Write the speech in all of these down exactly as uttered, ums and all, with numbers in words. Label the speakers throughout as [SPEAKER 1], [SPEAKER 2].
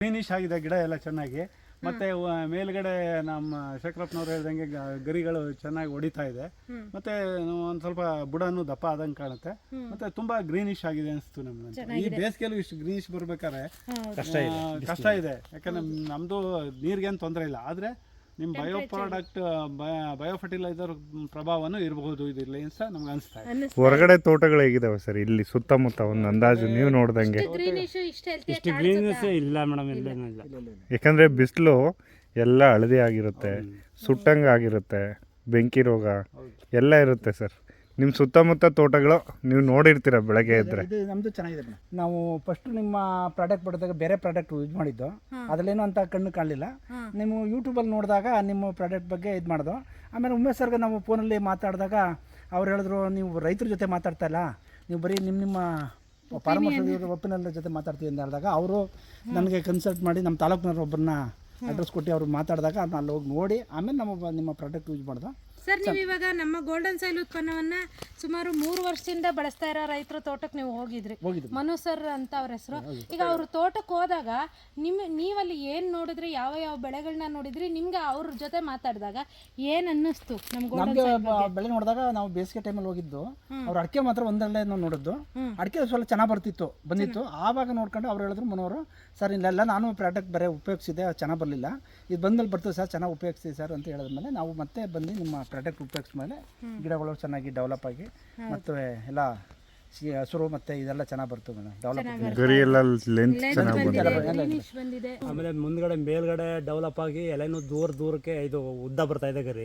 [SPEAKER 1] Greenish ಆಗಿದೆ ಗಿಡ ಎಲ್ಲ ಚೆನ್ನಾಗಿ. ಮತ್ತೆ ಮೇಲ್ಗಡೆ ನಮ್ಮ ಶೇಖರಪ್ಪನವ್ರು ಹೇಳ್ದಂಗೆ ಗರಿಗಳು ಚೆನ್ನಾಗಿ ಹೊಡಿತಾ ಇದೆ. ಮತ್ತೆ ಒಂದ್ ಸ್ವಲ್ಪ ಬುಡನು ದಪ್ಪ ಆದಂಗೆ ಕಾಣುತ್ತೆ. ಮತ್ತೆ ತುಂಬಾ ಗ್ರೀನಿಶ್ ಆಗಿದೆ ಅನಿಸ್ತು ನಮ್ಗೆ. ಈ ಬೇಸಿಗೆಲ್ಲೂ ಇಷ್ಟು ಗ್ರೀನಿಶ್ ಬರ್ಬೇಕಾದ್ರೆ ಕಷ್ಟ ಇದೆ ಕಷ್ಟ ಇದೆ ಯಾಕಂದ್ರೆ ನಮ್ದು ನೀರಿಗೇನು ತೊಂದರೆ ಇಲ್ಲ. ಆದ್ರೆ ನಿಮ್ಮ ಬಯೋ ಪ್ರಾಡಕ್ಟ್ ಬಯೋ ಫರ್ಟಿಲೈಸರ್ ಪ್ರಭಾವನೂ ಇರಬಹುದು ಇದರಲ್ಲಿ ಅಂತ ನಮ್ಗೆ ಅನಿಸ್ತಾ ಇದೆ.
[SPEAKER 2] ಹೊರಗಡೆ ತೋಟಗಳು ಹೇಗಿದಾವೆ ಸರ್ ಇಲ್ಲಿ ಸುತ್ತಮುತ್ತ ಒಂದು ಅಂದಾಜು ನೀವು ನೋಡ್ದಂಗೆ?
[SPEAKER 3] ಇಷ್ಟು ಗ್ರೀನ್ನೆಸ್ ಇಲ್ಲ ಮೇಡಮ್, ಇಲ್ಲೇನಿಲ್ಲ.
[SPEAKER 2] ಯಾಕಂದ್ರೆ ಬಿಸಿಲು ಎಲ್ಲ ಹಳದಿ ಆಗಿರುತ್ತೆ, ಸುಟ್ಟಂಗೆ ಆಗಿರುತ್ತೆ, ಬೆಂಕಿ ರೋಗ ಎಲ್ಲ ಇರುತ್ತೆ ಸರ್. ನಿಮ್ಮ ಸುತ್ತಮುತ್ತ ತೋಟಗಳು ನೀವು ನೋಡಿರ್ತೀರ ಬೆಳಗ್ಗೆ ಇದ್ರೆ.
[SPEAKER 4] ಇದು ನಮ್ಮದು ಚೆನ್ನಾಗಿದೆ ಮೇಡಮ್. ನಾವು ಫಸ್ಟ್ ನಿಮ್ಮ ಪ್ರಾಡಕ್ಟ್ ಪಡೆದಾಗ ಬೇರೆ ಪ್ರಾಡಕ್ಟ್ ಯೂಸ್ ಮಾಡಿದ್ದು, ಅದರಲ್ಲೇನೋ ಅಂತ ಕಣ್ಣು ಕಾಣಲಿಲ್ಲ. ನೀವು ಯೂಟ್ಯೂಬಲ್ಲಿ ನೋಡಿದಾಗ ನಿಮ್ಮ ಪ್ರಾಡಕ್ಟ್ ಬಗ್ಗೆ ಇದು ಮಾಡೋದು. ಆಮೇಲೆ ಉಮೇಶ್ ಸರ್ಗೆ ನಾವು ಫೋನಲ್ಲಿ ಮಾತಾಡಿದಾಗ ಅವ್ರು ಹೇಳಿದ್ರು, ನೀವು ರೈತರ ಜೊತೆ ಮಾತಾಡ್ತಾ ಇಲ್ಲ, ನೀವು ಬರೀ ನಿಮ್ಮ ನಿಮ್ಮ ಫಾರ್ಮರ್ಸ್ ಒಪ್ಪಿನಲ್ಲ ಜೊತೆ ಮಾತಾಡ್ತೀವಿ ಅಂತ ಹೇಳಿದಾಗ ಅವರು ನನಗೆ ಕನ್ಸಲ್ಟ್ ಮಾಡಿ ನಮ್ಮ ತಾಲೂಕಿನವ್ರು ಒಬ್ಬರನ್ನ ಅಡ್ರೆಸ್ ಕೊಟ್ಟು ಅವ್ರು ಮಾತಾಡಿದಾಗ ನಾನು ಅಲ್ಲಿ ಹೋಗಿ ನೋಡಿ ಆಮೇಲೆ ನಮ್ಮ ನಿಮ್ಮ ಪ್ರಾಡಕ್ಟ್ ಯೂಸ್ ಮಾಡ್ದೆ
[SPEAKER 5] ಸರ್. ನೀವು ಇವಾಗ ನಮ್ಮ ಗೋಲ್ಡನ್ ಸಾಯಿಲ್ ಉತ್ಪನ್ನವನ್ನ ಸುಮಾರು ಮೂರು ವರ್ಷದಿಂದ ಬಳಸ್ತಾ ಇರೋ ರೈತರ ತೋಟಕ್ಕೆ ನೀವು ಹೋಗಿದ್ರಿ, ಮನು ಸರ್ ಅಂತ ಅವ್ರ ಹೆಸರು. ಈಗ ಅವ್ರ ತೋಟಕ್ಕೆ ಹೋದಾಗ ನಿಮ್ ನೀವಲ್ಲಿ ಏನ್ ನೋಡಿದ್ರಿ, ಯಾವ ಯಾವ ಬೆಳೆಗಳನ್ನ ನೋಡಿದ್ರಿ, ನಿಮ್ಗೆ ಅವ್ರ ಜೊತೆ ಮಾತಾಡಿದಾಗ ಏನ್ ಅನ್ನಿಸ್ತು?
[SPEAKER 4] ನಮ್ಗೆ ಬೆಳೆ ನೋಡಿದಾಗ ನಾವು ಬೇಸಿಗೆ ಟೈಮಲ್ಲಿ ಹೋಗಿದ್ದು, ಅವ್ರ ಅಡಿಕೆ ಮಾತ್ರ ಒಂದರಲ್ಲೇ ನಾವು ನೋಡಿದ್ದು. ಅಡಿಕೆ ಸ್ವಲ್ಪ ಚೆನ್ನಾಗಿ ಬರ್ತಿತ್ತು ಬಂದಿತ್ತು. ಆವಾಗ ನೋಡ್ಕೊಂಡು ಅವ್ರು ಹೇಳಿದ್ರು, ಮನೋರು ಸರ್ ಇಲ್ಲೆಲ್ಲ ನಾನು ಪ್ರಾಡಕ್ಟ್ ಬೇರೆ ಉಪಯೋಗಿಸಿದೆ, ಚೆನ್ನಾಗಿ ಬರಲಿಲ್ಲ, ಇದು ಬಂದಲ್ಲಿ ಬರ್ತದೆ ಸರ್, ಚೆನ್ನಾಗಿ ಉಪಯೋಗಿಸ್ತೀವಿ ಸರ್ ಅಂತ ಹೇಳಿದ್ಮೇಲೆ ನಾವು ಮತ್ತೆ ಬಂದು ನಿಮ್ಮ ಪ್ರಾಡಕ್ಟ್ ಉಪಯೋಗಿಸಿದ ಮೇಲೆ ಗಿಡಗಳು ಚೆನ್ನಾಗಿ ಡೆವಲಪ್ ಆಗಿ ಮತ್ತು ಎಲ್ಲ ಹಸಿರು ಮತ್ತೆ ಇದೆಲ್ಲ ಚೆನ್ನಾಗಿ ಬರ್ತದೆ ಮೇಡಮ್. ಡೆವಲಪ್
[SPEAKER 2] ಗರಿ ಎಲ್ಲ ಲೆಂತ್ ಚೆನ್ನಾಗಿ
[SPEAKER 5] ಬಂದಿದೆ.
[SPEAKER 3] ಆಮೇಲೆ ಮುಂದ್ಗಡೆ ಮೇಲ್ಗಡೆ ಡೆವಲಪ್ ಆಗಿ ಎಲೆನೂ ದೂರ ದೂರಕ್ಕೆ ಇದು ಉದ್ದ ಬರ್ತಾ ಇದೆ. ಗರಿ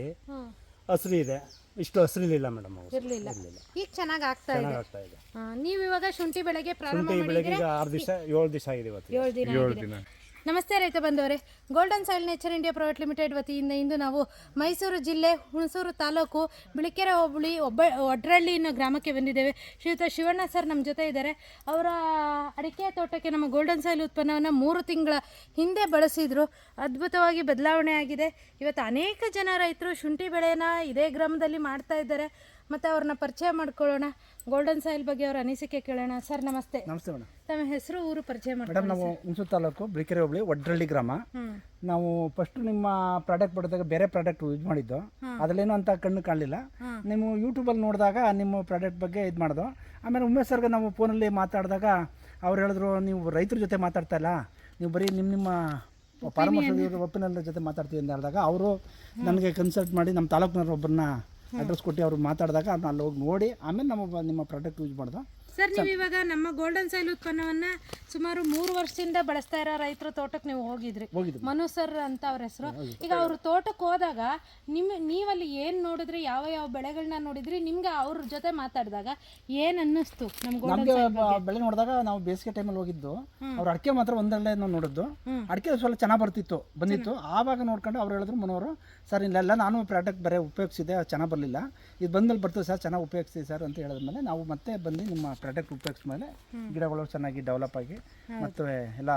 [SPEAKER 3] ಹಸಿರು ಇದೆ, ಇಷ್ಟು ಹಸಿರಿಲಿಲ್ಲ ಮೇಡಮ್.
[SPEAKER 5] ಇರ್ಲಿಲ್ಲ, ಈಗ ಚೆನ್ನಾಗಿ ಆಗ್ತಾ ಇದೆ.
[SPEAKER 3] ಆಗ್ತಾ ಇದೆ.
[SPEAKER 5] ನೀವು ಇವಾಗ ಶುಂಠಿ ಬೆಳೆಗೆ ಪ್ರಾರಂಭ
[SPEAKER 3] ಶುಂಠಿ ಬೆಳೆಗೆ ಈಗ ಆರು ದಿವಸ ಏಳು ದಿವಸ ಆಗಿದೆ ಇವತ್ತು.
[SPEAKER 5] ಏಳು ದಿನ ಆಗಿದೆ. ನಮಸ್ತೆ ರೈತ ಬಂದವರೇ, Golden Soil Nature India Private Limited ವತಿಯಿಂದ ಇಂದು ನಾವು ಮೈಸೂರು ಜಿಲ್ಲೆ ಹುಣಸೂರು ತಾಲೂಕು ಬಿಳಿಕೆರೆ ಹೋಬಳಿ ಒಬ್ಬ ಒಡ್ರಳ್ಳಿ ಅನ್ನೋ ಗ್ರಾಮಕ್ಕೆ ಬಂದಿದ್ದೇವೆ. ಶ್ರೀಯುತ ಶಿವಣ್ಣ ಸರ್ ನಮ್ಮ ಜೊತೆ ಇದ್ದಾರೆ. ಅವರ ಅಡಿಕೆ ತೋಟಕ್ಕೆ ನಮ್ಮ ಗೋಲ್ಡನ್ ಸಾಯಿಲ್ ಉತ್ಪನ್ನವನ್ನು ಮೂರು ತಿಂಗಳ ಹಿಂದೆ ಬಳಸಿದ್ರು. ಅದ್ಭುತವಾಗಿ ಬದಲಾವಣೆ ಆಗಿದೆ. ಇವತ್ತು ಅನೇಕ ಜನ ರೈತರು ಶುಂಠಿ ಬೆಳೆನ ಇದೇ ಗ್ರಾಮದಲ್ಲಿ ಮಾಡ್ತಾ ಇದ್ದಾರೆ. ಮತ್ತು ಅವ್ರನ್ನ ಪರಿಚಯ ಮಾಡ್ಕೊಳ್ಳೋಣ, ಗೋಲ್ಡನ್ ಸಾಯಿಲ್ ಬಗ್ಗೆ ಅವರ ಅನಿಸಿಕೆ ಕೇಳೋಣ. ಸರ್ ನಮಸ್ತೆ.
[SPEAKER 4] ನಮಸ್ತೆ ಮೇಡಮ್.
[SPEAKER 5] ತಮ್ಮ ಹೆಸರು, ಊರು ಪರಿಚಯ ಮಾಡಿ
[SPEAKER 4] ಮೇಡಮ್. ನಾವು ಹುಣಸೂರು ತಾಲೂಕು ಬಿಳಿಕೆರೆ ಹೋಬಳಿ ಒಡ್ರಳ್ಳಿ ಗ್ರಾಮ. ನಾವು ಫಸ್ಟ್ ನಿಮ್ಮ ಪ್ರಾಡಕ್ಟ್ ಪಡೆದಾಗ ಬೇರೆ ಪ್ರಾಡಕ್ಟ್ ಯೂಸ್ ಮಾಡಿದ್ದು, ಅದರಲ್ಲೇನೋ ಅಂತ ಕಣ್ಣು ಕಾಣಲಿಲ್ಲ. ನೀವು ಯೂಟ್ಯೂಬಲ್ಲಿ ನೋಡಿದಾಗ ನಿಮ್ಮ ಪ್ರಾಡಕ್ಟ್ ಬಗ್ಗೆ ಇದು ಮಾಡೋದು. ಆಮೇಲೆ ಉಮೇಶ್ ಸರ್ಗೆ ನಾವು ಫೋನಲ್ಲಿ ಮಾತಾಡಿದಾಗ ಅವ್ರು ಹೇಳಿದ್ರು, ನೀವು ರೈತರ ಜೊತೆ ಮಾತಾಡ್ತಾ ಇಲ್ಲ, ನೀವು ಬರೀ ನಿಮ್ಮ ನಿಮ್ಮ ಫಾರ್ಮರ್ಸ್ ಒಪ್ಪಿನಲ್ಲ ಜೊತೆ ಮಾತಾಡ್ತೀವಿ ಅಂತ ಹೇಳಿದಾಗ ಅವರು ನನಗೆ ಕನ್ಸಲ್ಟ್ ಮಾಡಿ ನಮ್ಮ ತಾಲೂಕಿನವ್ರು ಒಬ್ಬರನ್ನ ಅಡ್ರೆಸ್ ಕೊಟ್ಟು ಅವ್ರು ಮಾತಾಡಿದಾಗ ನಾನು ಅಲ್ಲಿ ಹೋಗಿ ನೋಡಿ ಆಮೇಲೆ ನಮ್ಮ ನಿಮ್ಮ ಪ್ರಾಡಕ್ಟ್ ಯೂಸ್ ಮಾಡ್ದೆ.
[SPEAKER 5] ಸರ್, ನೀವು ಇವಾಗ ನಮ್ಮ ಗೋಲ್ಡನ್ ಸಾಯಿಲ್ ಉತ್ಪನ್ನವನ್ನ ಸುಮಾರು ಮೂರು ವರ್ಷದಿಂದ ಬಳಸ್ತಾ ಇರೋ ರೈತರ ತೋಟಕ್ಕೆ ನೀವು ಹೋಗಿದ್ರಿ, ಮನು ಸರ್ ಅಂತ ಅವ್ರ ಹೆಸರು. ಈಗ ಅವ್ರ ತೋಟಕ್ಕೆ ಹೋದಾಗ ನಿಮ್ ನೀವಲ್ಲಿ ಏನ್ ನೋಡಿದ್ರಿ, ಯಾವ ಯಾವ ಬೆಳೆಗಳನ್ನ ನೋಡಿದ್ರಿ, ನಿಮ್ಗೆ ಅವ್ರ ಜೊತೆ ಮಾತಾಡಿದಾಗ ಏನ್ ಅನ್ನಿಸ್ತು?
[SPEAKER 4] ನಮ್ಗೆ ಬೆಳೆ ನೋಡಿದಾಗ ನಾವು ಬೇಸಿಗೆ ಟೈಮಲ್ಲಿ ಹೋಗಿದ್ದು, ಅವ್ರ ಅಡಿಕೆ ಮಾತ್ರ ಒಂದರಲ್ಲೇ ನಾವು ನೋಡಿದ್ದು. ಅಡಿಕೆ ಸ್ವಲ್ಪ ಚೆನ್ನಾಗಿ ಬರ್ತಿತ್ತು ಬಂದಿತ್ತು. ಆವಾಗ ನೋಡ್ಕೊಂಡು ಅವ್ರು ಹೇಳಿದ್ರು, ಮನೋರು ಸರ್ ಇಲ್ಲೆಲ್ಲ ನಾನು ಪ್ರಾಡಕ್ಟ್ ಬೇರೆ ಉಪಯೋಗಿಸಿದೆ, ಚೆನ್ನಾಗಿ ಬರಲಿಲ್ಲ, ಇದು ಬಂದಲ್ಲಿ ಬರ್ತದೆ ಸರ್, ಚೆನ್ನಾಗಿ ಉಪಯೋಗಿಸ್ತೀವಿ ಸರ್ ಅಂತ ಹೇಳಿದ್ಮೇಲೆ ನಾವು ಮತ್ತೆ ಬಂದು ನಿಮ್ಮ ಪ್ರಾಡಕ್ಟ್ ಉಪಯೋಗಿಸಿದ ಮೇಲೆ ಗಿಡಗಳು ಚೆನ್ನಾಗಿ ಡೆವಲಪ್ ಆಗಿ ಮತ್ತು ಎಲ್ಲ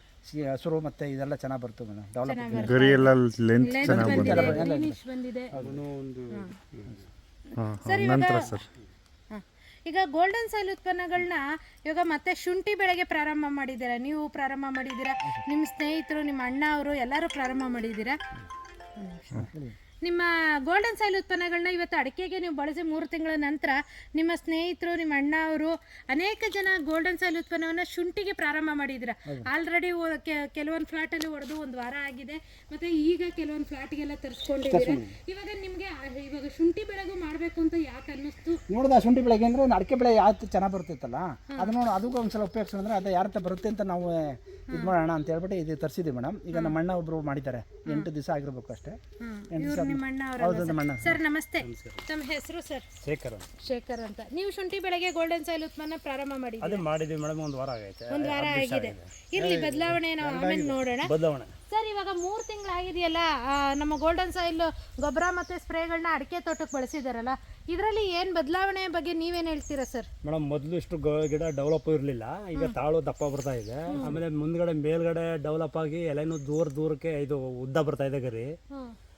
[SPEAKER 4] ಹಸಿರು ಮತ್ತೆ ಇದೆಲ್ಲ ಚೆನ್ನಾಗಿ ಬರ್ತದೆ ಮೇಡಮ್. ಡೆವಲಪ್
[SPEAKER 2] ಗರಿ ಎಲ್ಲ ಲೆಂತ್ ಚೆನ್ನಾಗಿ
[SPEAKER 5] ಬಂದಿದೆ.
[SPEAKER 2] ಸರ್ ನಂತರ ಸರ್
[SPEAKER 5] ಈಗ ಗೋಲ್ಡನ್ ಸಾಯಿಲ್ ಉತ್ಪನ್ನಗಳನ್ನ ಇವಾಗ ಮತ್ತೆ ಶುಂಠಿ ಬೆಳೆಗೆ ಪ್ರಾರಂಭ ಮಾಡಿದ್ದೀರಾ, ನೀವು ಪ್ರಾರಂಭ ಮಾಡಿದ್ದೀರಾ, ನಿಮ್ಮ ಸ್ನೇಹಿತರು, ನಿಮ್ಮ ಅಣ್ಣ ಅವರು ಎಲ್ಲರೂ ಪ್ರಾರಂಭ ಮಾಡಿದ್ದೀರಾ. ನಿಮ್ಮ ಗೋಲ್ಡನ್ ಸಾಯಿಲ್ ಉತ್ಪನ್ನಗಳನ್ನ ಇವತ್ತು ಅಡಿಕೆಗೆ ನೀವು ಬಳಸಿ ಮೂರು ತಿಂಗಳ ನಂತರ ನಿಮ್ಮ ಸ್ನೇಹಿತರು, ನಿಮ್ಮ ಅಣ್ಣ ಅವರು ಅನೇಕ ಜನ ಗೋಲ್ಡನ್ ಸಾಯಿಲ್ ಉತ್ಪನ್ನವನ್ನು ಶುಂಠಿಗೆ ಪ್ರಾರಂಭ ಮಾಡಿದ್ದೀರಾ. ಆಲ್ರೆಡಿ ಕೆಲವೊಂದು ಫ್ಲಾಟಲ್ಲಿ ಹೊಡೆದು ಒಂದು ವಾರ ಆಗಿದೆ, ಮತ್ತು ಈಗ ಕೆಲವೊಂದು ಫ್ಲಾಟ್ಗೆಲ್ಲ ತರಿಸ್ಕೊಂಡಿದ್ದೀರಾ. ಇವಾಗ ನಿಮಗೆ ಇವಾಗ ಶುಂಠಿ ಬೆಳೆಗೂ ಮಾಡಬೇಕು ಅಂತ ಯಾಕೆ ಅನ್ನಿಸ್ತು?
[SPEAKER 4] ನೋಡಿದ ಶುಂಠಿ ಬೆಳೆಗೆ ಅಂದರೆ ಅಡಿಕೆ ಬೆಳೆ ಯಾವತ್ತು ಚೆನ್ನಾಗಿ ಬರ್ತಿತ್ತಲ್ಲ, ಅದು ನೋಡಿ ಅದಕ್ಕೂ ಒಂದ್ಸಲ ಉಪಯೋಗಿಸೋಣ ಅಂದರೆ ಅದು ಯಾರ ಬರುತ್ತೆ ಅಂತ ನಾವು ಇದು ಮಾಡೋಣ ಅಂತ ಹೇಳ್ಬಿಟ್ಟು ಇದು ತರಿಸಿದ್ವಿ ಮೇಡಮ್. ಈಗ ನಮ್ಮ ಅಣ್ಣ ಒಬ್ಬರು ಮಾಡಿದ್ದಾರೆ, ಎಂಟು ದಿವಸ ಆಗಿರ್ಬೇಕು ಅಷ್ಟೇ. ಎಂಟು ದಿವಸ.
[SPEAKER 5] ಸರ್ ನಮಸ್ತೆ. ತಮ್ಮ ಹೆಸರು ಸರ್?
[SPEAKER 3] ಶೇಖರ್.
[SPEAKER 5] ಶೇಖರ್ ಅಂತ. ನೀವು ಶುಂಠಿ ಬೆಳೆಗೆ ಗೋಲ್ಡನ್ ಸಾಯಿಲ್ ಉತ್ಪನ್ನ ಪ್ರಾರಂಭ ಮಾಡಿದ್ದೀರಾ?
[SPEAKER 3] ಅದು ಮಾಡಿದ್ವಿ ಮೇಡಮ್, ಒಂದು ವಾರ ಆಗೈತೆ.
[SPEAKER 5] ಒಂದು ವಾರ ಆಗಿದೆ. ಇರ್ಲಿ, ಬದಲಾವಣೆ ನಾವು ಆಮೇಲೆ ನೋಡೋಣ.
[SPEAKER 3] ಬದಲಾವಣೆ
[SPEAKER 5] ಸರ್, ಇವಾಗ ಮೂರು ತಿಂಗಳಾಗಿದೆಯಲ್ಲ, ನಮ್ಮ ಗೋಲ್ಡನ್ ಸಾಯಿಲ್ ಗೊಬ್ಬರ ಮತ್ತು ಸ್ಪ್ರೇಗಳನ್ನ ಅಡಿಕೆ ತೋಟಕ್ಕೆ ಬಳಸಿದಾರಲ್ಲ, ಇದರಲ್ಲಿ ಏನು ಬದಲಾವಣೆ ಬಗ್ಗೆ ನೀವೇನು ಹೇಳ್ತೀರಾ ಸರ್?
[SPEAKER 3] ಮೇಡಮ್, ಮೊದಲು ಇಷ್ಟು ಗಿಡ ಡೆವಲಪ್ ಇರಲಿಲ್ಲ, ಈಗ ತಾಳು ದಪ್ಪ ಬರ್ತಾ ಇದೆ. ಆಮೇಲೆ ಮುಂದ್ಗಡೆ ಮೇಲ್ಗಡೆ ಡೆವಲಪ್ ಆಗಿ ಎಲೆನೂ ದೂರ ದೂರಕ್ಕೆ ಇದು ಉದ್ದ ಬರ್ತಾ ಇದೆ. ಗರಿ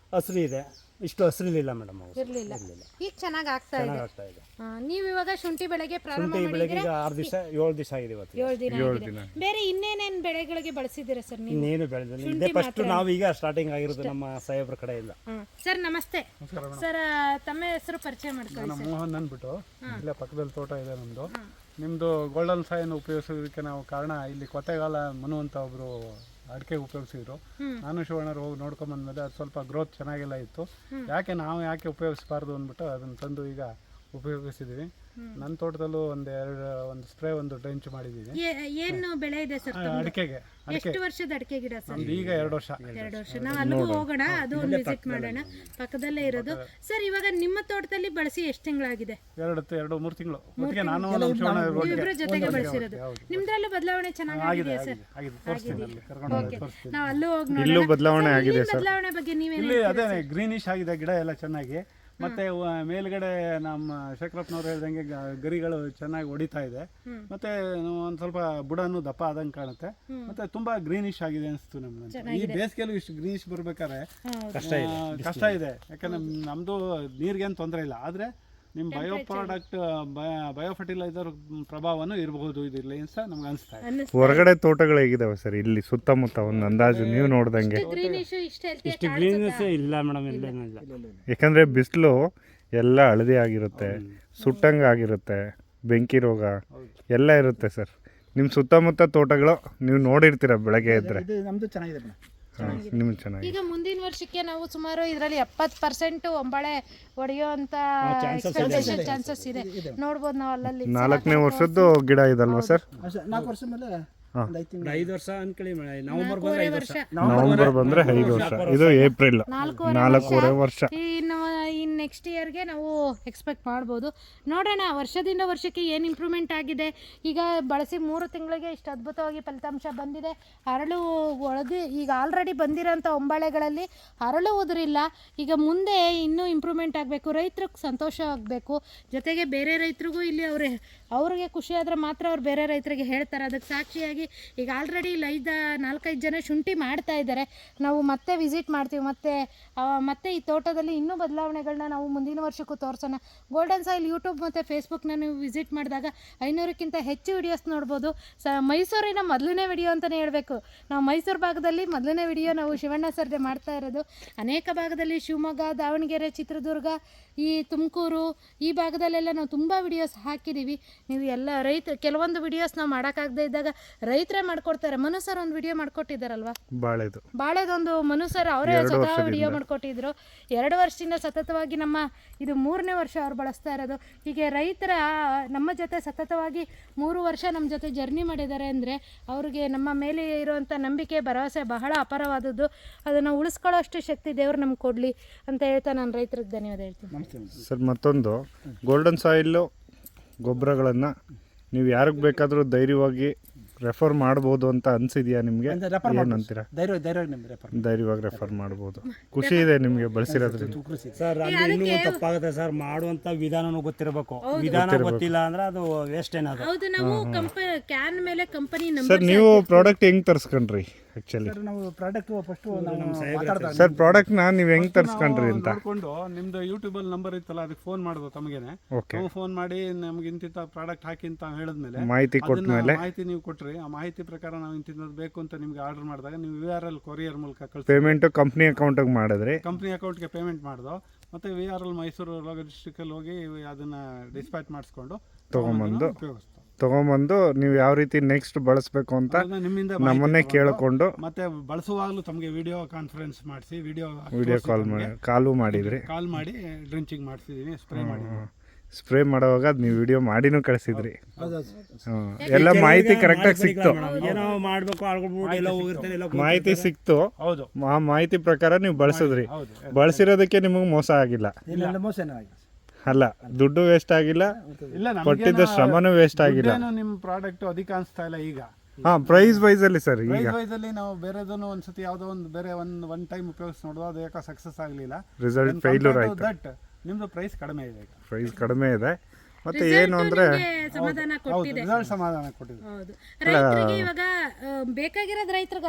[SPEAKER 3] ಹಸ್ರು ಇದೆ, ಇಷ್ಟು ಹಸ್ರಿಲಿಲ್ಲ ಮೇಡಮ್ ಅವು
[SPEAKER 5] ಇರ್ಲಿಲ್ಲ ಈಗ ಚೆನ್ನಾಗಿ ಆಗ್ತಾ ಇದೆ.
[SPEAKER 3] ಚೆನ್ನಾಗಿ ಆಗ್ತಾ ಇದೆ.
[SPEAKER 5] ಆ, ನೀವು ಇವಾಗ ಶುಂಠಿ ಬೆಳೆಗೆ ಪ್ರಾರಂಭ
[SPEAKER 3] ಶುಂಠಿ ಬೆಳಗ್ಗೆ
[SPEAKER 5] ಮಾಡಿದ್ರೆ
[SPEAKER 3] ಈಗ ಆರು ದಿವಸ ಏಳು ದಿವಸ ಆಗಿದೆ ಇವತ್ತು.
[SPEAKER 5] ಏಳು ದಿನ ಆಗಿದೆ. ಬೇರೆ ಇನ್ನೇನೇನ್ ಬೆಳೆಗಳಿಗೆ ಬಳಸಿದ್ದೀರಾ ಸರ್ ನೀವು?
[SPEAKER 3] ಇನ್ನೇನು ಬೆಳೆದಿಲ್ಲ, ಇದೇ ಫಸ್ಟ್ ನಾವು ಈಗ ಸ್ಟಾರ್ಟಿಂಗ್ ಆಗಿರೋದು ನಮ್ಮ ಸಾಹೇಬ್ರ ಕಡೆಯಿಂದ.
[SPEAKER 5] ಹ್ಮ್. ಸರ್ ನಮಸ್ತೆ ಸರ್, ತಮ್ಮ ಹೆಸರು ಪರಿಚಯ ಮಾಡ್ಕೊಳ್ಳಿ
[SPEAKER 1] ನಾನು
[SPEAKER 5] ಸರ್.
[SPEAKER 1] ಮೋಹನ್ ಅಂದ್ಬಿಟ್ಟು ಇಲ್ಲೇ ಪಕ್ಕದಲ್ಲಿ ತೋಟ ಇದೆ ನಮ್ಮದು. ನಿಮ್ಮದು ಗೋಲ್ಡನ್ ಸಾಯಿನ ಉಪಯೋಗಿಸೋದಕ್ಕೆ ನಾವು ಕಾರಣ ಇಲ್ಲಿ ಕೊತೆಗಾಲ ಮನು ಅಂತ ಒಬ್ಬರು ಅಡಿಕೆ ಉಪಯೋಗಿಸಿದ್ರು. ನಾನು ಶಿವಣ್ಣರು ಹೋಗಿ ನೋಡ್ಕೊಂಬಂದ್ಮೇಲೆ ಅದು ಸ್ವಲ್ಪ ಗ್ರೋತ್ ಚೆನ್ನಾಗೆಲ್ಲ ಇತ್ತು. ಯಾಕೆ ನಾವು ಯಾಕೆ ಉಪಯೋಗಿಸಬಾರ್ದು ಅಂದ್ಬಿಟ್ಟು ಅದನ್ನು ತಂದು ಈಗ ಉಪಯೋಗಿಸಿದ್ದೀವಿ. ನನ್ನ ತೋಟದಲ್ಲೂ ಒಂದು ಎರಡು ಒಂದು ಸ್ಪ್ರೇ ಒಂದು ಡ್ರೆಂಚ್ ಮಾಡಿದ್ದೀವಿ
[SPEAKER 5] ಏ- ಏನು ಬೆಳೆ ಇದೆ ಸರ್ ತಮ್ಮದು?
[SPEAKER 1] ಅಡಿಕೆಗೆ. ಅಡಿಕೆ
[SPEAKER 5] ಎಷ್ಟು ವರ್ಷದ ಅಡಿಕೆ ಗಿಡ ಸರ್?
[SPEAKER 1] ನಮ್ದು ಈಗ ಎರಡು ವರ್ಷ.
[SPEAKER 5] ಎರಡು ವರ್ಷ. ನಾವು ಅಲ್ಲಿಗೂ ಹೋಗೋಣ, ಅದು ಒಂದು ವಿಸಿಟ್ ಮಾಡೋಣ, ಪಕ್ಕದಲ್ಲೇ ಇರೋದು. ಸರ್ ಇವಾಗ ನಿಮ್ಮ ತೋಟದಲ್ಲಿ ಬಳಸಿ ಎಷ್ಟು ತಿಂಗಳಾಗಿದೆ?
[SPEAKER 1] ಎರಡು ಎರಡು ಮೂರು ತಿಂಗಳು ಒಟ್ಟಿಗೆ ನಾನು ನಮ್ಮ ಶಿವಣ್ಣ ಒಟ್ಟಿಗೆ
[SPEAKER 5] ಇಬ್ಬರ ಜೊತೆಗೆ ಬಳಸಿರೋದು. ನಿಮ್ದ್ರಲ್ಲೂ ಬದಲಾವಣೆ ಚೆನ್ನಾಗಿದೆ
[SPEAKER 1] ಆಗಿದೆ
[SPEAKER 5] ಸರ್.
[SPEAKER 1] ಆಗಿದೆ ತೋರಿಸ್ತೀನಿ ಅಲ್ಲಿ ಕರ್ಕೊಂಡು ಹೋಗಿ ತೋರಿಸ್ತೀನಿ.
[SPEAKER 5] ನಾವು ಅಲ್ಲೂ ಹೋಗಿ
[SPEAKER 2] ಇಲ್ಲೂ
[SPEAKER 5] ನೋಡೋಣ.
[SPEAKER 2] ಬದಲಾವಣೆ
[SPEAKER 5] ಸರ್,
[SPEAKER 2] ಆಗಿದೆ
[SPEAKER 5] ಇಲ್ಲಿನ ಬದಲಾವಣೆ ಬಗ್ಗೆ ನೀವೇನು
[SPEAKER 1] ಇಲ್ಲಿ ಅದೇ ಗ್ರೀನಿಶ್ ಆಗಿದೆ ಗಿಡ ಎಲ್ಲ ಚೆನ್ನಾಗಿ. ಮತ್ತೆ ವ- ಮೇಲ್ಗಡೆ ನಮ್ಮ ಶೇಖರಪ್ಪನವ್ರು ಹೇಳ್ದಂಗೆ ಗ- ಗರಿಗಳು ಚೆನ್ನಾಗಿ ಹೊಡಿತಾ ಇದೆ. ಮತ್ತೆ ಒಂದ್ ಸ್ವಲ್ಪ ಬುಡನು ದಪ್ಪ ಆದಂಗೆ ಕಾಣುತ್ತೆ. ಮತ್ತೆ ತುಂಬಾ ಗ್ರೀನಿಶ್ ಆಗಿದೆ ಅನಿಸ್ತು ನಮ್ಗೆ. ಈ ಬೇಸಿಗೆಲ್ಲೂ ಇಷ್ಟು ಗ್ರೀನಿಶ್ ಬರ್ಬೇಕಾದ್ರೆ
[SPEAKER 3] ಕಷ್ಟ
[SPEAKER 1] ಆ,
[SPEAKER 3] ಇದೆ.
[SPEAKER 1] ಕಷ್ಟ ಇದೆ. ಯಾಕಂದ್ರೆ ನಮ್ದು ನೀರಿಗೇನು ತೊಂದರೆ ಇಲ್ಲ, ಆದ್ರೆ ನಿಮ್ಮ ಬಯೋ ಪ್ರಾಡಕ್ಟ್ ಬಯೋ ಫರ್ಟಿಲೈಸರ್ ಪ್ರಭಾವನೂ ಇರಬಹುದು ಇದರಲ್ಲಿ ಅಂತ ನಮ್ಗೆ ಅನಿಸ್ತಾ ಇದೆ.
[SPEAKER 5] ಅನ್ನಿಸ್ತಾ
[SPEAKER 2] ಹೊರಗಡೆ ತೋಟಗಳು ಹೇಗಿದಾವೆ ಸರ್ ಇಲ್ಲಿ ಸುತ್ತಮುತ್ತ ಒಂದು ಅಂದಾಜು ನೀವು ನೋಡ್ದಂಗೆ?
[SPEAKER 5] ಗ್ರೀನಿಶ್ ಇಷ್ಟ ಹೆಲ್ತಿ
[SPEAKER 3] ಇಷ್ಟು ಗ್ರೀನ್ನೆಸ್ ಇಲ್ಲ ಮೇಡಮ್, ಇಲ್ಲೇನಿಲ್ಲ.
[SPEAKER 2] ಯಾಕಂದರೆ ಬಿಸಿಲು ಎಲ್ಲ ಹಳದಿ ಆಗಿರುತ್ತೆ, ಸುಟ್ಟಂಗೆ ಆಗಿರುತ್ತೆ, ಬೆಂಕಿ ರೋಗ ಎಲ್ಲ ಇರುತ್ತೆ ಸರ್. ನಿಮ್ಮ ಸುತ್ತಮುತ್ತ ತೋಟಗಳು ನೀವು ನೋಡಿರ್ತೀರ ಬೆಳಗ್ಗೆ ಇದ್ದರೆ.
[SPEAKER 4] ಇದು ನಮ್ಮದು ಚೆನ್ನಾಗಿದೆ ಮೇಡಮ್.
[SPEAKER 2] ನಿಮ್ಗೆ ಚೆನ್ನಾಗಿ.
[SPEAKER 5] ಈಗ ಮುಂದಿನ ವರ್ಷಕ್ಕೆ ನಾವು ಸುಮಾರು ಇದರಲ್ಲಿ ಎಪ್ಪತ್ತು ಪರ್ಸೆಂಟ್ ಒಂಬಳೆ ಹೊಡೆಯುವಂತ ಎಕ್ಸ್ಪೆಕ್ಟೇಷನ್ ಚಾನ್ಸಸ್ ಇದೆ. ನೋಡ್ಬೋದು ನಾವು ಅಲ್ಲಲ್ಲಿ
[SPEAKER 2] ನಾಲ್ಕನೇ ವರ್ಷದ್ದು ಗಿಡ ಇದಲ್ವಾ ಸರ್?
[SPEAKER 4] ಅಷ್ಟೇ, ನಾಲ್ಕು ವರ್ಷ ಮೇಲೆ ಒಂದು ಐದು ತಿಂಗಳು.
[SPEAKER 3] ಐದು ವರ್ಷ ಅನ್ಕೊಳ್ಳಿ ಮೇಡಮ್, ನವೆಂಬರ್ ಬಂದ್ರೆ ಐದು ವರ್ಷ.
[SPEAKER 2] ನವೆಂಬರ್ ಬಂದರೆ ಐದು ವರ್ಷ, ಇದು ಏಪ್ರಿಲ್ ನಾಲ್ಕೂವರೆ ವರ್ಷ.
[SPEAKER 5] ಇನ್ನು ಇನ್ ನೆಕ್ಸ್ಟ್ ಇಯರ್ಗೆ ನಾವು ಎಕ್ಸ್ಪೆಕ್ಟ್ ಮಾಡ್ಬೋದು. ನೋಡೋಣ ವರ್ಷದಿಂದ ವರ್ಷಕ್ಕೆ ಏನು ಇಂಪ್ರೂವ್ಮೆಂಟ್ ಆಗಿದೆ. ಈಗ ಬಳಸಿ ಮೂರು ತಿಂಗಳಿಗೆ ಇಷ್ಟು ಅದ್ಭುತವಾಗಿ ಫಲಿತಾಂಶ ಬಂದಿದೆ. ಹರಳು ಒಳಗೆ ಈಗ ಆಲ್ರೆಡಿ ಬಂದಿರೋಂಥ ಒಂಬಳೆಗಳಲ್ಲಿ ಹರಳು ಉದುರಿಲ್ಲ. ಈಗ ಮುಂದೆ ಇನ್ನೂ ಇಂಪ್ರೂವ್ಮೆಂಟ್ ಆಗಬೇಕು, ರೈತರಿಗೆ ಸಂತೋಷ ಆಗಬೇಕು, ಜೊತೆಗೆ ಬೇರೆ ರೈತರಿಗೂ ಇಲ್ಲಿ ಅವ್ರೆ ಅವ್ರಿಗೆ ಖುಷಿ ಆದರೆ ಮಾತ್ರ ಅವ್ರು ಬೇರೆ ರೈತರಿಗೆ ಹೇಳ್ತಾರೆ. ಅದಕ್ಕೆ ಸಾಕ್ಷಿಯಾಗಿ ಈಗ ಆಲ್ರೆಡಿ ಇಲ್ಲಿ ಐದು ನಾಲ್ಕೈದು ಜನ ಶುಂಠಿ ಮಾಡ್ತಾ ಇದ್ದಾರೆ. ನಾವು ಮತ್ತೆ ವಿಸಿಟ್ ಮಾಡ್ತೀವಿ, ಮತ್ತೆ ಆ, ಮತ್ತೆ ಈ ತೋಟದಲ್ಲಿ ಇನ್ನೂ ಬದಲಾವಣೆಗಳನ್ನ ನಾವು ಮುಂದಿನ ವರ್ಷಕ್ಕೂ ತೋರಿಸೋಣ. ಗೋಲ್ಡನ್ ಸಾಯಿಲ್ ಯೂಟ್ಯೂಬ್ ಮತ್ತು ಫೇಸ್ಬುಕ್ನ ನೀವು ವಿಸಿಟ್ ಮಾಡಿದಾಗ ಐನೂರಕ್ಕಿಂತ ಹೆಚ್ಚು ವಿಡಿಯೋಸ್ ನೋಡ್ಬೋದು. ಸ ಮೈಸೂರಿನ ಮೊದಲನೇ ವಿಡಿಯೋ ಅಂತಲೇ ಹೇಳಬೇಕು. ನಾವು ಮೈಸೂರು ಭಾಗದಲ್ಲಿ ಮೊದಲನೇ ವಿಡಿಯೋ ನಾವು ಶಿವಣ್ಣ ಸರ್ದೆ ಮಾಡ್ತಾ ಇರೋದು. ಅನೇಕ ಭಾಗದಲ್ಲಿ ಶಿವಮೊಗ್ಗ, ದಾವಣಗೆರೆ, ಚಿತ್ರದುರ್ಗ, ಈ ತುಮಕೂರು ಈ ಭಾಗದಲ್ಲೆಲ್ಲ ನಾವು ತುಂಬ ವಿಡಿಯೋಸ್ ಹಾಕಿದ್ದೀವಿ. ನೀವು ಎಲ್ಲ ರೈತ ಕೆಲವೊಂದು ವಿಡಿಯೋಸ್ ನಾವು ಮಾಡೋಕ್ಕಾಗದೇ ಇದ್ದಾಗ ರೈತರೇ ಮಾಡ್ಕೊಡ್ತಾರೆ. ಮನು ಸರ್ ಒಂದು ವಿಡಿಯೋ ಮಾಡ್ಕೊಟ್ಟಿದ್ದಾರಲ್ವಾ,
[SPEAKER 2] ಬಾಳೆದು
[SPEAKER 5] ಬಾಳೆದೊಂದು ಮನು ಸರ್ ಅವರೇ ಸ್ವತಃ ವಿಡಿಯೋ ಮಾಡ್ಕೊಟ್ಟಿದ್ರು. ಎರಡು ವರ್ಷದಿಂದ ಸತತವಾಗಿ ನಮ್ಮ ಇದು ಮೂರನೇ ವರ್ಷ ಅವ್ರು ಬಳಸ್ತಾ ಇರೋದು. ಹೀಗೆ ರೈತರ ನಮ್ಮ ಜೊತೆ ಸತತವಾಗಿ ಮೂರು ವರ್ಷ ನಮ್ಮ ಜೊತೆ ಜರ್ನಿ ಮಾಡಿದ್ದಾರೆ ಅಂದರೆ ಅವ್ರಿಗೆ ನಮ್ಮ ಮೇಲೆ ಇರುವಂಥ ನಂಬಿಕೆ, ಭರವಸೆ ಬಹಳ ಅಪಾರವಾದದ್ದು. ಅದನ್ನು ಉಳಿಸ್ಕೊಳ್ಳೋಷ್ಟು ಶಕ್ತಿ ದೇವರು ನಮ್ಗೆ ಕೊಡಲಿ ಅಂತ ಹೇಳ್ತಾ ನಾನು ರೈತರಿಗೆ ಧನ್ಯವಾದ ಹೇಳ್ತೀನಿ.
[SPEAKER 2] ಸರ್. ಮತ್ತೊಂದು ಗೋಲ್ಡನ್ ಸಾಯಿಲ್ಲು ಗೊಬ್ಬರಗಳನ್ನು ನೀವು ಯಾರಿಗೆ ಬೇಕಾದರೂ ಧೈರ್ಯವಾಗಿ ರೆಫರ್ ಮಾಡ್ಬೋದು ಅಂತ ಅನ್ಸಿದ್ಯಾ ನಿಮಗೆ?
[SPEAKER 4] ರೆಫರ್
[SPEAKER 2] ಏನಂತೀರಾ?
[SPEAKER 4] ಧೈರ್ಯ ಧೈರ್ಯ ನಿಮ್ಗೆ ರೆಫರ್
[SPEAKER 2] ಧೈರ್ಯವಾಗಿ ರೆಫರ್ ಮಾಡ್ಬೋದು. ಖುಷಿ ಇದೆ ನಿಮಗೆ ಬಳಸಿರೋದ್ರಿಂದ.
[SPEAKER 3] ಸರ್ ಅಲ್ಲಿ ಇನ್ನೂ ತಪ್ಪಾಗುತ್ತೆ ಸರ್, ಮಾಡುವಂತ ವಿಧಾನನೂ ಗೊತ್ತಿರಬೇಕು. ವಿಧಾನ ಗೊತ್ತಿಲ್ಲ ಅಂದ್ರೆ ಅದು ವೇಸ್ಟ್ ಏನದು.
[SPEAKER 5] ಹೌದು, ನಾವು ಕಂಪ ಕ್ಯಾನ್ ಮೇಲೆ ಕಂಪನಿ
[SPEAKER 2] ಸರ್
[SPEAKER 5] ನಂಬರ್
[SPEAKER 2] ನೀವು ಪ್ರಾಡಕ್ಟ್ ಹೆಂಗೆ ತರಿಸ್ಕೊಂಡ್ರಿ ಆ್ಯಕ್ಚುಲಿ?
[SPEAKER 4] ನಾವು ಪ್ರಾಡಕ್ಟ್ ಫಸ್ಟ್ ನಾವು ಮಾತಾಡ್ದಾಗ
[SPEAKER 2] ಸರ್ ಪ್ರಾಡಕ್ಟ್ನ ನೀವು ಹೆಂಗೆ ತರಿಸ್ಕೊಂಡ್ರಿ ಅಂತ
[SPEAKER 1] ನೋಡ್ಕೊಂಡು ನಿಮ್ದು ಯೂಟ್ಯೂಬಲ್ಲಿ ನಂಬರ್ ಇತ್ತಲ್ಲ ಅದಕ್ಕೆ ಫೋನ್ ಮಾಡೋದು ತಮಗೇನೆ.
[SPEAKER 2] ಓಕೆ.
[SPEAKER 1] ನಾವು ಫೋನ್ ಮಾಡಿ ನಮ್ಗೆ ಇಂತಿಂತ ಪ್ರಾಡಕ್ಟ್ ಹಾಕಿ ಅಂತ ಹೇಳಿದ್ಮೇಲೆ
[SPEAKER 2] ಮಾಹಿತಿ ಕೊಟ್ಟ
[SPEAKER 1] ಅದನ್ನ
[SPEAKER 2] ಮೇಲೆ
[SPEAKER 1] ಮಾಹಿತಿ ನೀವು ಕೊಟ್ರಿ. ಆ ಮಾಹಿತಿ ಪ್ರಕಾರ ನಾವು ಇಂತಿಂತದ್ದು ಬೇಕು ಅಂತ ನಿಮ್ಗೆ ಆರ್ಡರ್ ಮಾಡಿದಾಗ ನೀವು ವಿ ಆರ್ ಎಲ್ ಕೊರಿಯರ್ ಮೂಲಕ ಕಳಿಸಿ
[SPEAKER 2] ಪೇಮೆಂಟು ಕಂಪ್ನಿ ಅಕೌಂಟಿಗೆ ಮಾಡಿದ್ರಿ.
[SPEAKER 1] ಕಂಪ್ನಿ ಅಕೌಂಟ್ಗೆ ಪೇಮೆಂಟ್ ಮಾಡ್ದೋ. ಮತ್ತೆ ವಿ ಆರ್ ಎಲ್ ಮೈಸೂರು ಡಿಸ್ಟ್ರಿಕ್ಟಲ್ಲಿ ಹೋಗಿ ಅದನ್ನ ಡಿಸ್ಪ್ಯಾಚ್ ಮಾಡಿಸ್ಕೊಂಡು
[SPEAKER 2] ತೊಗೊಂಬಂದು
[SPEAKER 1] ಉಪಯೋಗಿಸ್ತೀವಿ.
[SPEAKER 2] ತೊಗೊಂಬಂದು ನೀವು ಯಾವ ರೀತಿ ನೆಕ್ಸ್ಟ್ ಬಳಸಬೇಕು ಅಂತ
[SPEAKER 1] ಅದನ್ನ ನಿಮ್ಮಿಂದ
[SPEAKER 2] ನಮ್ಮನ್ನೇ
[SPEAKER 1] ಮಾಹಿತಿ
[SPEAKER 2] ಕೇಳಿಕೊಂಡು
[SPEAKER 1] ಮತ್ತೆ ಬಳಸುವಾಗಲೂ ತಮಗೆ ವಿಡಿಯೋ ಕಾನ್ಫರೆನ್ಸ್ ಮಾಡಿಸಿ ವಿಡಿಯೋ
[SPEAKER 2] ವಿಡಿಯೋ ಕಾಲ್ ಮಾಡಿ ಕಾಲು ಮಾಡಿದ್ರಿ.
[SPEAKER 1] ಕಾಲ್ ಮಾಡಿ ಡ್ರಿಂಚಿಂಗ್ ಮಾಡಿಸಿದೀನಿ, ಸ್ಪ್ರೇ ಮಾಡಿ.
[SPEAKER 2] ಸ್ಪ್ರೇ ಮಾಡೋವಾಗ ಅದು ನೀವು ವಿಡಿಯೋ ಮಾಡಿನೂ ಕಳಿಸಿದ್ರಿ. ಹ್ಮ್. ಎಲ್ಲ ಮಾಹಿತಿ ಕರೆಕ್ಟಾಗಿ ಸಿಕ್ತು.
[SPEAKER 3] ಏನೋ ಮಾಡ್ಬೇಕು ಆಳ್ಕೊಳ್ಬಿಟ್ಟು ಎಲ್ಲ ಹೋಗಿರ್ತಾನೆ ಎಲ್ಲ
[SPEAKER 2] ಮಾಹಿತಿ ಸಿಕ್ತು.
[SPEAKER 1] ಹೌದು
[SPEAKER 2] ಆ ಮಾಹಿತಿ ಪ್ರಕಾರ ನೀವು ಬಳಸಿದ್ರಿ.
[SPEAKER 1] ಹೌದು.
[SPEAKER 2] ಬಳಸಿರೋದಕ್ಕೆ ನಿಮಗೆ ಮೋಸ ಆಗಿಲ್ಲ
[SPEAKER 4] ಇಲ್ಲ ಮೋಸ ಆಗಿದೆ.
[SPEAKER 2] ಅಲ್ಲ, ದುಡ್ಡು ವೇಸ್ಟ್ ಆಗಿಲ್ಲ,
[SPEAKER 1] ಇಲ್ಲ
[SPEAKER 2] ಕೊಟ್ಟಿದ್ದ ಶ್ರಮನೂ ವೇಸ್ಟ್ ಆಗಿಲ್ಲ.
[SPEAKER 1] ನಿಮ್ಮ ಪ್ರಾಡಕ್ಟ್ ಅಧಿಕ ಅನಿಸ್ತಾ ಇಲ್ಲ ಈಗ.
[SPEAKER 2] ಹಾ, ಪ್ರೈಸ್ ವೈಸ್ ಅಲ್ಲಿ ಸರ್ ಈಗ
[SPEAKER 1] ಪ್ರೈಸ್ ವೈಸ್ ಅಲ್ಲಿ ನಾವು ಬೇರೆದನ್ನು ಒಂದ್ಸತಿ ಯಾವುದೋ ಒಂದು ಬೇರೆ ಒಂದು ಒನ್ ಟೈಮ್ ಉಪಯೋಗಿಸಿ ನೋಡುವ, ಅದು ಯಾಕೆ ಸಕ್ಸಸ್ ಆಗಲಿಲ್ಲ.
[SPEAKER 2] ರಿಸಲ್ಟ್ ಫೇಲ್ಯೂರ್ ಆಯ್ತು.
[SPEAKER 1] ದಟ್ ನಿಮ್ದು ಪ್ರೈಸ್ ಕಡಿಮೆ ಇದೆ ಈಗ.
[SPEAKER 2] ಪ್ರೈಸ್ ಕಡಿಮೆ ಇದೆ. ಮತ್ತೆ ಏನು ಅಂದ್ರೆ
[SPEAKER 5] ಸಮಾಧಾನ
[SPEAKER 1] ಹೌದು,
[SPEAKER 5] ಕೊಟ್ಟಿದೆ.
[SPEAKER 1] ರಿಸಲ್ಟ್ ಸಮಾಧಾನ ಕೊಟ್ಟಿದೆ.
[SPEAKER 5] ಹೌದು, ರೈತರಿಗೆ ಇವಾಗ ಆ, ಬೇಕಾಗಿರೋದು ರೈತರಿಗೆ ಅದೇ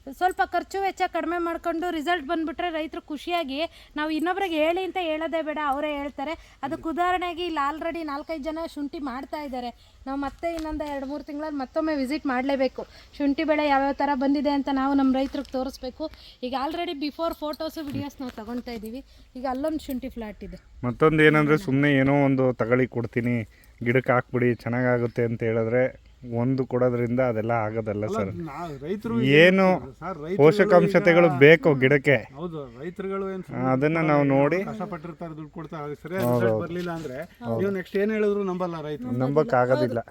[SPEAKER 5] ಸ್ವಲ್ಪ ಖರ್ಚು ವೆಚ್ಚ ಕಡಿಮೆ ಮಾಡ್ಕೊಂಡು ರಿಸಲ್ಟ್ ಬಂದುಬಿಟ್ರೆ ರೈತರು ಖುಷಿಯಾಗಿ ನಾವು ಇನ್ನೊಬ್ರಿಗೆ ಹೇಳಿ ಅಂತ ಹೇಳೋದೇ ಬೇಡ, ಅವರೇ ಹೇಳ್ತಾರೆ. ಅದಕ್ಕೆ ಉದಾಹರಣೆಗೆ ಇಲ್ಲಿ ಆಲ್ರೆಡಿ ನಾಲ್ಕೈದು ಜನ ಶುಂಠಿ ಮಾಡ್ತಾ ಇದ್ದಾರೆ. ನಾವು ಮತ್ತೆ ಇನ್ನೊಂದು ಎರಡು ಮೂರು ತಿಂಗಳಲ್ಲಿ ಮತ್ತೊಮ್ಮೆ ವಿಸಿಟ್ ಮಾಡಲೇಬೇಕು. ಶುಂಠಿ ಬೆಳೆ ಯಾವ್ಯಾವ ಥರ ಬಂದಿದೆ ಅಂತ ನಾವು ನಮ್ಮ ರೈತರಿಗೆ ತೋರಿಸ್ಬೇಕು. ಈಗ ಆಲ್ರೆಡಿ ಬಿಫೋರ್ ಫೋಟೋಸು ವಿಡಿಯೋಸ್ ನಾವು ತಗೊಳ್ತಾ ಇದ್ದೀವಿ. ಈಗ ಅಲ್ಲೊಂದು ಶುಂಠಿ ಫ್ಲಾಟ್ ಇದೆ.
[SPEAKER 2] ಮತ್ತೊಂದು ಏನಂದರೆ ಸುಮ್ಮನೆ ಏನೋ ಒಂದು ತಗೊಳ್ಳಿ ಕೊಡ್ತೀನಿ ಗಿಡಕ್ಕೆ ಹಾಕ್ಬಿಡಿ ಚೆನ್ನಾಗಾಗುತ್ತೆ ಅಂತ ಹೇಳಿದ್ರೆ ಒಂದು ಕೊಡೋದ್ರಿಂದ ಅದೆಲ್ಲ ಆಗೋದಲ್ಲ ಸರ್.
[SPEAKER 1] ರೈತರು
[SPEAKER 2] ಏನು ಪೋಷಕಾಂಶತೆಗಳು ಬೇಕು ಗಿಡಕ್ಕೆ,
[SPEAKER 1] ಹೌದು ರೈತರುಗಳು ಏನು
[SPEAKER 2] ಅದನ್ನ ನಾವು ನೋಡಿ
[SPEAKER 1] ಕಷ್ಟಪಟ್ಟಿರ್ತಾರೆ, ದುಡ್ಡು ಕೊಡ್ತಾರೆ, ಸರಿಯಾಗಿ ರಿಸಲ್ಟ್ ಬರಲಿಲ್ಲ ಅಂದ್ರೆ ನೀವು ನೆಕ್ಸ್ಟ್ ಏನು ಹೇಳಿದ್ರು ನಂಬಲ್ಲ ರೈತರು.
[SPEAKER 2] ನಂಬಕ್ ಆಗೋದಿಲ್ಲ.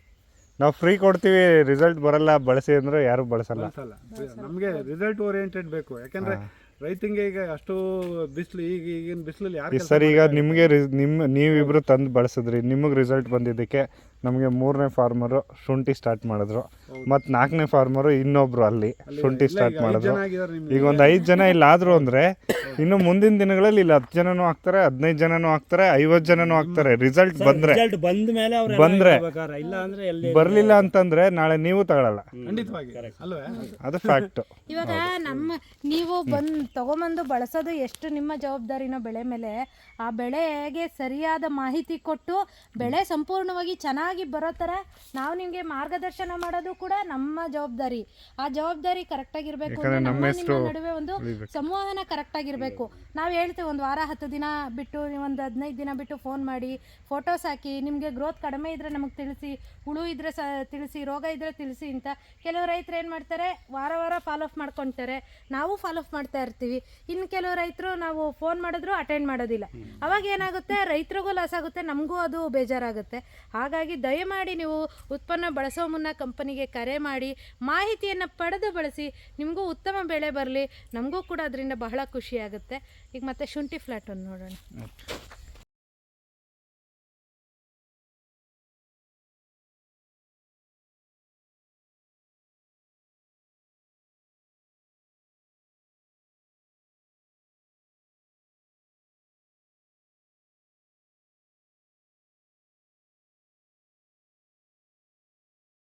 [SPEAKER 2] ನಾವು ಫ್ರೀ ಕೊಡ್ತೀವಿ, ರಿಸಲ್ಟ್ ಬರಲ್ಲ ಬಳಸಿ ಅಂದ್ರೆ ಯಾರು ಬಳಸಲ್ಲ.
[SPEAKER 1] ನಮಗೆ ರಿಸಲ್ಟ್ ಓರಿಯೆಂಟೆಡ್ ಬೇಕು. ಯಾಕಂದ್ರೆ ರೈತಂಗೆ ಈಗ ಅಷ್ಟು ಬಿಸಿಲು, ಈಗ ಈಗಿನ ಬಿಸಿಲಲ್ಲಿ ಯಾರು
[SPEAKER 2] ಸರ್ ಈಗ ನಿಮಗೆ ನಿಮ್ಮ ನೀವಿಬ್ರು ತಂದು ಬಳಸಿದ್ರಿ, ನಿಮಗೆ ರಿಸಲ್ಟ್ ಬಂದಿದ್ದಕ್ಕೆ ನಮಗೆ ಮೂರನೇ ಫಾರ್ಮರು ಶುಂಠಿ ಸ್ಟಾರ್ಟ್ ಮಾಡಿದ್ರು, ಮತ್ತು ನಾಲ್ಕನೇ ಫಾರ್ಮರು ಇನ್ನೊಬ್ರು ಅಲ್ಲಿ ಶುಂಠಿ ಸ್ಟಾರ್ಟ್ ಮಾಡಿದ್ರು. ಈಗ ಒಂದು ಐದು ಜನ ಇಲ್ಲಿ ಆದ್ರು ಅಂದರೆ ಇನ್ನು ಮುಂದಿನ ದಿನಗಳಲ್ಲಿ ಇಲ್ಲಿ ಹತ್ತು ಜನನೂ ಆಗ್ತಾರೆ, ಹದಿನೈದು ಜನನೂ ಆಗ್ತಾರೆ, ಐವತ್ತು ಜನನೂ ಆಗ್ತಾರೆ. ರಿಸಲ್ಟ್ ಬಂದರೆ
[SPEAKER 3] ರಿಸಲ್ಟ್ ಬಂದ ಮೇಲೆ ಅವ್ರು
[SPEAKER 2] ಬಂದರೆ
[SPEAKER 3] ಇಲ್ಲ ಅಂದ್ರೆ ಎಲ್ಲಿ
[SPEAKER 2] ಬರಲಿಲ್ಲ ಅಂತಂದರೆ ನಾಳೆ ನೀವು ತಗೊಳ್ಳಲ್ಲ.
[SPEAKER 1] ಖಂಡಿತವಾಗಿ ಅಲ್ವೇ,
[SPEAKER 2] ಅದು ಫ್ಯಾಕ್ಟು.
[SPEAKER 5] ಇವಾಗ ನಮ್ಮ ನೀವು ಬಂದು ತಗೊಂಬಂದು ಬಳಸೋದು ಎಷ್ಟು ನಿಮ್ಮ ಜವಾಬ್ದಾರಿನೋ ಬೆಳೆ ಮೇಲೆ, ಆ ಬೆಳೆಗೆ ಸರಿಯಾದ ಮಾಹಿತಿ ಕೊಟ್ಟು ಬೆಳೆ ಸಂಪೂರ್ಣವಾಗಿ ಚೆನ್ನಾಗಿ ಬರೋ ಥರ ನಾವು ನಿಮಗೆ ಮಾರ್ಗದರ್ಶನ ಮಾಡೋದು ಕೂಡ ನಮ್ಮ ಜವಾಬ್ದಾರಿ. ಆ ಜವಾಬ್ದಾರಿ ಕರೆಕ್ಟಾಗಿರಬೇಕು. ನಮ್ಮ ನಿಮ್ಮ ನಡುವೆ ಒಂದು ಸಂವಹನ ಕರೆಕ್ಟಾಗಿರಬೇಕು. ನಾವು ಹೇಳ್ತೇವೆ ಒಂದು ವಾರ ಹತ್ತು ದಿನ ಬಿಟ್ಟು, ಒಂದು ಹದಿನೈದು ದಿನ ಬಿಟ್ಟು ಫೋನ್ ಮಾಡಿ ಫೋಟೋಸ್ ಹಾಕಿ, ನಿಮಗೆ ಗ್ರೋತ್ ಕಡಿಮೆ ಇದ್ದರೆ ನಮಗೆ ತಿಳಿಸಿ, ಹುಳು ಇದ್ದರೆ ಸ ತಿಳಿಸಿ, ರೋಗ ಇದ್ದರೆ ತಿಳಿಸಿ ಅಂತ. ಕೆಲವು ರೈತರು ಏನು ಮಾಡ್ತಾರೆ, ವಾರ ವಾರ ಫಾಲೋ ಅಪ್ ಮಾಡ್ಕೊತಾರೆ, ನಾವು ಫಾಲೋ ಅಪ್ ಮಾಡ್ತಾ ಇರ್ತೀವಿ. ಇನ್ನು ಕೆಲವು ರೈತರು ನಾವು ಫೋನ್ ಮಾಡಿದ್ರು ಅಟೆಂಡ್ ಮಾಡೋದಿಲ್ಲ. ಅವಾಗ ಏನಾಗುತ್ತೆ, ರೈತರಿಗೂ ಲಾಸ್ ಆಗುತ್ತೆ, ನಮಗೂ ಅದು ಬೇಜಾರಾಗುತ್ತೆ. ಹಾಗಾಗಿ ದಯಮಾಡಿ ನೀವು ಉತ್ಪನ್ನ ಬಳಸೋ ಮುನ್ನ ಕಂಪನಿಗೆ ಕರೆ ಮಾಡಿ ಮಾಹಿತಿಯನ್ನು ಪಡೆದು ಬಳಸಿ. ನಿಮಗೂ ಉತ್ತಮ ಬೆಳೆ ಬರಲಿ, ನಮಗೂ ಕೂಡ ಅದರಿಂದ ಬಹಳ ಖುಷಿಯಾಗುತ್ತೆ. ಈಗ ಮತ್ತೆ ಶುಂಠಿ ಫ್ಲಾಟ್ ಒಂದು ನೋಡೋಣ.